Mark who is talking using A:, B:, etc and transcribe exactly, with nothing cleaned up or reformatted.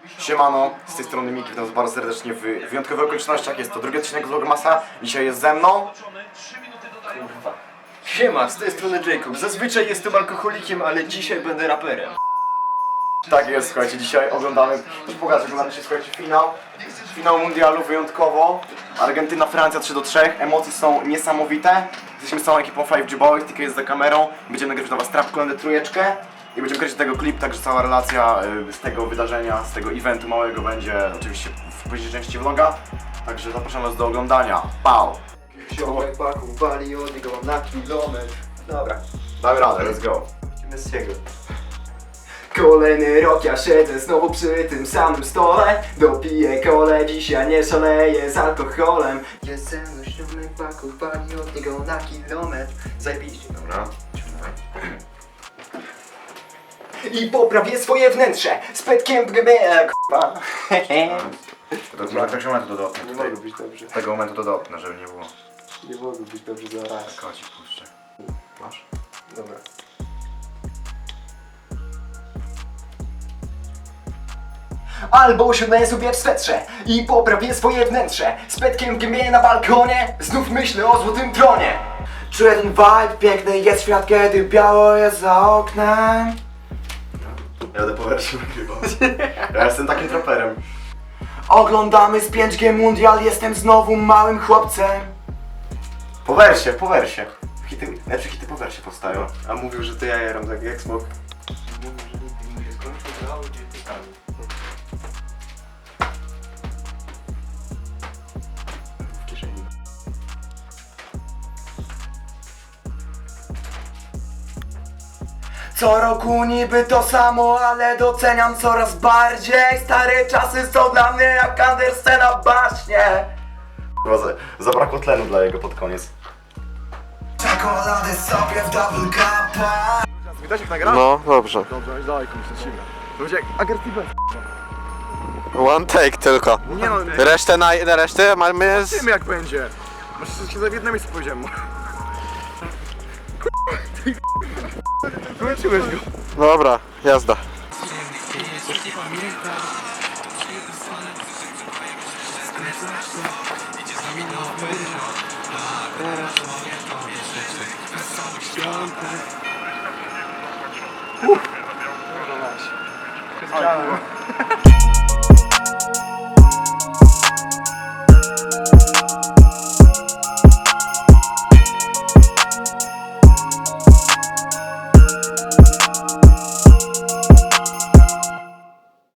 A: Siemano, z tej strony Miki, witam was bardzo serdecznie w wyjątkowych okolicznościach. Jest to drugi odcinek Vlogmasa. Dzisiaj jest ze mną.
B: Kurwa. Siema, z tej strony Jacob. Zazwyczaj jestem alkoholikiem, ale dzisiaj będę raperem.
A: Tak jest, słuchajcie, dzisiaj oglądamy, pokażę, oglądamy się, słuchajcie, finał. Finał mundialu wyjątkowo. Argentyna, Francja trzy do trzech. Emocje są niesamowite. Jesteśmy z całą ekipą five G Boys, tylko jest za kamerą. Będziemy nagrywać dla was trap kolejne trójeczkę. I będziemy kręcić tego klip, także cała relacja y, z tego wydarzenia, z tego eventu małego będzie oczywiście w późniejszej części vloga. Także zapraszam was do oglądania. Pau!
B: Ziomek paku wali od niego na kilometr. Dobra,
A: Damy radę, let's go.
B: lecimy z jego. Kolejny rok ja siedzę znowu przy tym samym stole. Dopiję kole, dzisiaj nie szaleję z alkoholem. Jest ze mną ziomek paku wali od niego na kilometr. Zajebiście.
A: Dobra,
B: I poprawię swoje wnętrze z petkiem w gębie. K***a.
A: to z jakiegoś momentu to dopnę.
B: Nie mogę być dobrze.
A: Z tego momentu to dopnę, żeby nie było.
B: Nie mogę być dobrze za raz.
A: Kocik puszczę. Masz?
B: Dobra. Albo usiądę sobie w swetrze i poprawię swoje wnętrze z petkiem w gębie na balkonie. Znów myślę o złotym tronie.
C: Czuję ten vibe, piękny jest świat, kiedy biało jest za oknem.
A: Ja będę po wersji nagrywał. Ja jestem takim traperem.
C: Oglądamy z pięć G Mundial, jestem znowu małym chłopcem.
A: Po wersie, po wersie. Hity, lepsze hity po wersie powstają.
B: A mówił, że to ja jaram tak jak smok. W kieszeni.
C: Co roku niby to samo, ale doceniam coraz bardziej. Stare czasy są dla mnie jak Andersen na baśnie.
A: Chyba za, zabrakło tlenu dla jego pod koniec.
C: Czekolady sobie w double cupa.
A: Widać jak nagra?
D: No, dobrze.
A: Dobrze, daj komuś lecimy. To będzie jak agresywne.
D: One take tylko.
A: Nie no,
D: Resztę na, na resztę mamy z...
A: zobaczymy jak będzie. Masz się za jedno miejsce powiedziałem. Wróciłeś go.
D: Dobra, jazda.
A: Uh.